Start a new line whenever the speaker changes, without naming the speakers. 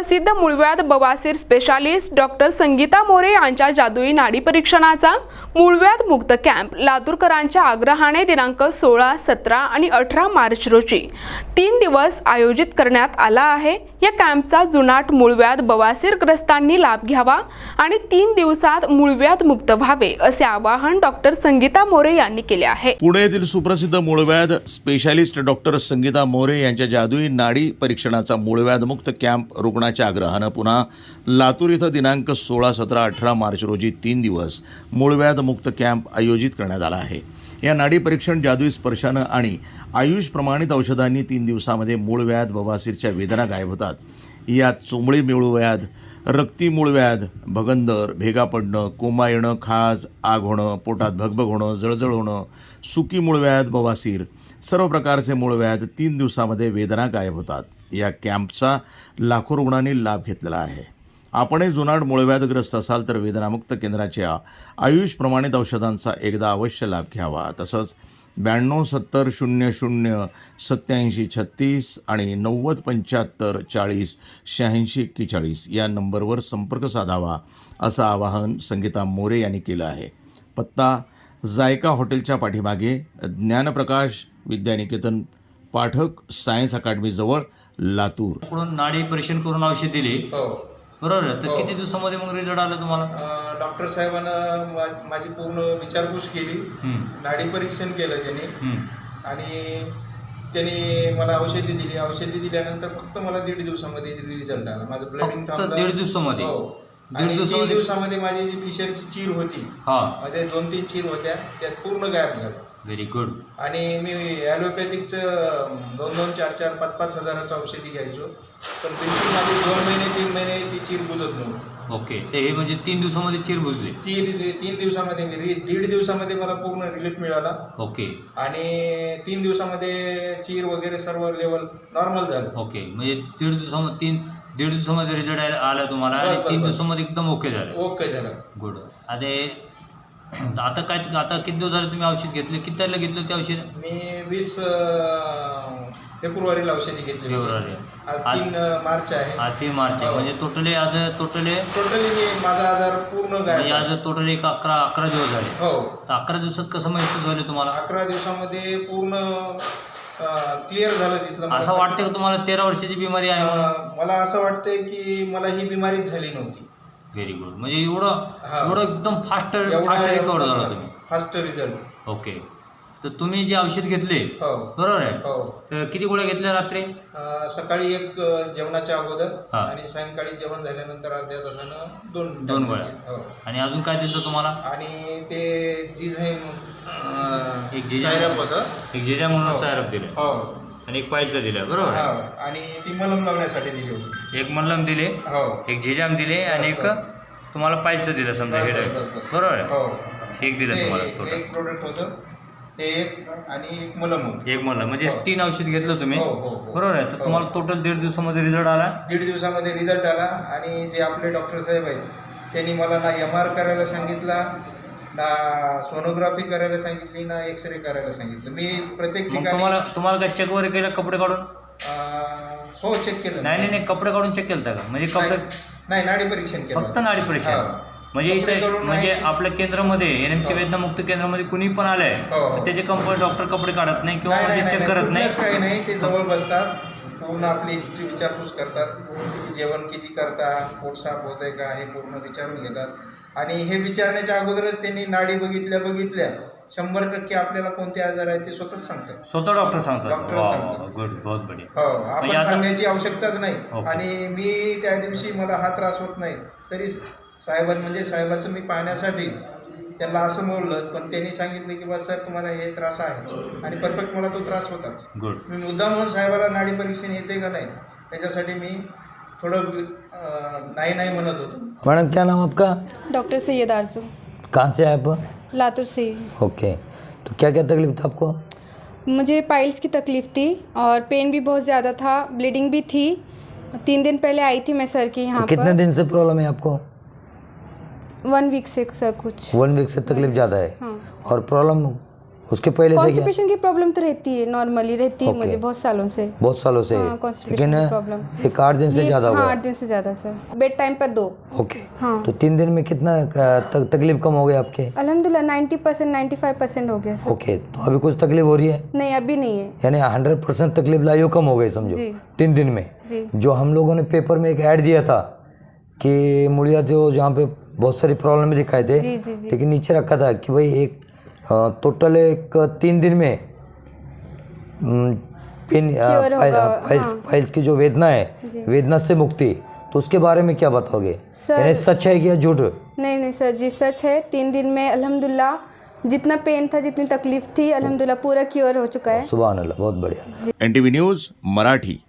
प्रसिद्ध मूळव्याध बवासीर स्पेशालिस्ट डॉक्टर संगीता मोरे यांच्या जादुई नाडी परीक्षणाचा मूळव्याध मुक्त कॅम्प लातूरकरांच्या आग्रहाने दिनांक 16, 17 आणि 18 मार्च रोजी 3 दिवस आयोजित करण्यात आला आहे। या कॅम्पचा जुनाट मूळव्याध बवासीरग्रस्तांनी लाभ घ्यावा आणि 3 दिवसात मूळव्याध मुक्त व्हावे असे आवाहन डॉक्टर संगीता मोरे यांनी केले आहे।
पुणे येथील सुप्रसिद्ध मूळव्याध स्पेशालिस्ट डॉक्टर संगीता मोरे यांच्या जादुई नाडी परीक्षणाचा मूळव्याध मुक्त कॅम्प रुग्णाच्या आग्रहानं पुन्हा लातूर इथं दिनांक 16, 17, 18 मार्च रोजी 3 दिवस मूळव्याध मुक्त कॅम्प आयोजित करण्यात आला आहे। या नाडी परीक्षण जादुई स्पर्शानं आणि आयुष प्रमाणित औषधांनी 3 दिवसामध्ये मूळव्याध बवासीरच्या वेदना गायब होतात। यात चोंबळी मूळव्याध, रक्ती मूळव्याध, भगंदर, भेगा पडणं, कोमा येणं, खाज, आग होणं, पोटात भगभग होणं, जळजळ होणं, सुकी मूळव्याध बवासीर, सर्व प्रकारचे मूळव्याध 3 दिवसामध्ये वेदना गायब होतात। या कॅम्पचा लाखो रुग्णांनी लाभ घेतलेला आहे। आपणही जुनाट मूळव्याधग्रस्त असाल तर वेदनामुक्त केंद्राच्या आयुष प्रमाणित औषधांचा एकदा अवश्य लाभ घ्यावा। तसंच 92 70 00 87 36 आणि 90 75 40 86 41 या नंबरवर संपर्क साधावा असं आवाहन संगीता मोरे यांनी केलं आहे। पत्ता जायका हॉटेलच्या पाठीमागे, ज्ञानप्रकाश विद्यानिकेतन पाठक सायन्स अकादमी जवळ, लातूर।
कडून नाडी परीक्षण करून औषध दिले, बरोबर आहे। तर किती दिवसामध्ये मग रिझल्ट आला तुम्हाला?
डॉक्टर साहेबांना माझी पूर्ण विचारपूस केली, नाडी परीक्षण केलं त्यांनी आणि त्यांनी मला औषधी दिली। औषधी दिल्यानंतर फक्त मला 1.5 दिवसामध्ये रिझल्ट आला। माझं ब्लडिंग थांबलं
1.5 दिवसामध्ये।
आणि 3 दिवसामध्ये माझी जी फिशरची चीर होती, मध्ये 2-3 चीर होत्या, त्यात पूर्ण गायब झालं।
Very good.
आणि मी ॲलोपॅथिकचं 2-2, 4-4, 5-5 हजाराचं औषधी घ्यायचो, पण बिलकुल माझी 2 महिने 3 महिने ती चीर बुजत नव्हती।
ओके, ते हे म्हणजे 3 दिवसामध्ये चीर बुजली? 3
दिवसामध्ये मी 1.5 दिवसामध्ये मला पूर्ण रिलीफ मिळाला।
ओके।
आणि 3 दिवसामध्ये चीर वगैरे सर्व लेवल नॉर्मल झालं।
ओके, म्हणजे 1.5 दिवसामध्ये रिझल्ट आला तुम्हाला आणि 3 दिवसामध्ये एकदम ओके झालं?
ओके झालं।
गुड। आता किती दिवस झाले तुम्ही औषध घेतले? किती तारखेला घेतलं ते औषध?
मी 20 फेब्रुवारीला औषधी घेतली।
फेब्रुवारी।
आज 3 मार्च आहे।
आज 3 मार्च आहे, म्हणजे टोटली
मी माझा आजार पूर्ण गायब
म्हणजे आज टोटली 11 दिवस झाले।
हो।
तर 11 दिवसात कसं महसूस झालं तुम्हाला?
11 दिवसामध्ये पूर्ण क्लिअर झालं तिथलं।
असं वाटतं की तुम्हाला 13 वर्षाची बिमारी आहे म्हणून?
मला असं वाटतंय की मला ही बिमारीच झाली नव्हती।
Very good. म्हणजे एवढं एकदम फास्ट रिकवर झाला तुम्ही? Fast
result.
ओके। तर तुम्ही जे औषध घेतले, बरोबर आहे, तर किती गोळ्या घेतल्या रात्री?
सकाळी 1 जेवणाच्या अगोदर आणि सायंकाळी जेवण झाल्यानंतर अर्ध्या तासानं 2
गोळ्या। आणि अजून काय दिलं तुम्हाला?
आणि ते जिझाईम
एक जिझाम
होतं,
एक जिझाम म्हणून सायरप दिलं आणि एक पायलचं दिलं, बरोबर?
आणि ती मलम लावण्यासाठी दिली होती।
एक मलम दिले, एक जिजाम दिले आणि एक तुम्हाला पायलचं दिलं समजा, हे बरोबर आहे? एक दिलं तुम्हाला?
एक प्रोडक्ट होतं ते, एक आणि एक मलम होतं।
एक मलम, म्हणजे 3 औषध घेतलं तुम्ही, बरोबर आहे? तर तुम्हाला टोटल 1.5 दिवसामध्ये रिझल्ट आला?
1.5 दिवसामध्ये रिझल्ट आला। आणि जे आपले डॉक्टर साहेब आहेत त्यांनी मला ना MR करायला सांगितला, ना सोनोग्राफी करायला सांगितली, ना एक्सरे करायला सांगितलं। मी प्रत्येक ठिकाणी
तुम्हाला काय चेक वगैरे केलं कपडे काढून?
हो, चेक केलं।
नाही, कपडे काढून चेक केलं का? म्हणजे कपडे
नाही, नाडी परीक्षण केलं,
फक्त नाडी परीक्षण। म्हणजे इथे म्हणजे आपल्या केंद्रामध्ये NMC वेदनामुक्त केंद्रामध्ये कुणी पण आलंय तर त्याचे डॉक्टर कपडे काढत नाही किंवा चेक करत नाही,
काही नाही। ते जवळ बसतात, पूर्ण आपली हिस्ट्री विचारपूस करतात, की जेवण किती करता, पोट साफ होतंय का, हे पूर्ण विचारून घेतात। आणि हे विचारण्याच्या अगोदरच त्यांनी नाडी बघितल्या 100% आपल्याला कोणते आजार आहेत ते स्वतःच सांगतात।
स्वतः डॉक्टर सांगतात?
गुड,
बहुत बढिया।
आपण सांगण्याची आवश्यकताच नाही। आणि मी त्या दिवशी मला हा त्रास होत नाही तरी साहेबाचं मी पाहण्यासाठी त्यांना असं बोललं, पण त्यांनी सांगितलं की बस सर तुम्हाला हे त्रास आहे, आणि परफेक्ट मला तो त्रास होताच।
गुड।
मी मुद्दाम म्हणून साहेबाला नाडी परीक्षण येते का नाही त्याच्यासाठी मी थोडं नाही म्हणत होतो।
मैडम क्या नाम आपका?
डॉक्टर सैयद आरजू।
कहाँ से आए आप?
लातूर से।
ओके, तो क्या क्या तकलीफ था आपको?
मुझे पाइल्स की तकलीफ़ थी और पेन भी बहुत ज़्यादा था, ब्लीडिंग भी थी। 3 दिन पहले आई थी मैं सर के यहाँ पर।
कितने दिन से प्रॉब्लम है आपको?
1 वीक से सर कुछ।
1 वीक से तकलीफ ज़्यादा है।
हाँ।
और प्रॉब्लम उसके पहले से क्या?
कॉन्स्टिपेशन की प्रॉब्लम तो रहती है, नॉर्मली रहती है
Okay.
मुझे बहुत सालों से।
बहुत सालों से
हाँ, constipation
लेकिन
की problem।
एक 8 दिन से ज़्यादा
हाँ,
हुआ।
8 दिन से ज़्यादा सर। बेड टाइम पर 2।
ओके।
हाँ।
तो 3 दिन में कितना तकलीफ कम हो गई आपके?
अल्हम्दुलिल्लाह 90% 95% हो गया सर।
ओके, तो अभी कुछ तकलीफ हो रही है?
नहीं अभी नहीं है।
यानी 100% तकलीफ लाई हो कम हो गई समझो
जी।
3 दिन में।
जी।
जो हम लोगों ने पेपर में एक ऐड दिया था कि मूलिया जो जहाँ पे बहुत सारी प्रॉब्लम दिखाए थे,
जी, जी, जी।
लेकिन नीचे रखा था कि भाई एक टोटल एक 3 दिन में पेन
Cure होगा,
फाइल्स की जो वेदना है,
जी।
वेदना से मुक्ति, तो उसके बारे में क्या बताओगे?
सर-
यानी सच है कि या झूठ?
नहीं सर जी सच है। 3 दिन में अल्हम्दुलिल्लाह जितना पेन था, जितनी तकलीफ थी, अल्हम्दुलिल्लाह पूरा क्योर हो चुका है।
सुभान अल्लाह, बहुत बढ़िया।
NTV news Marathi.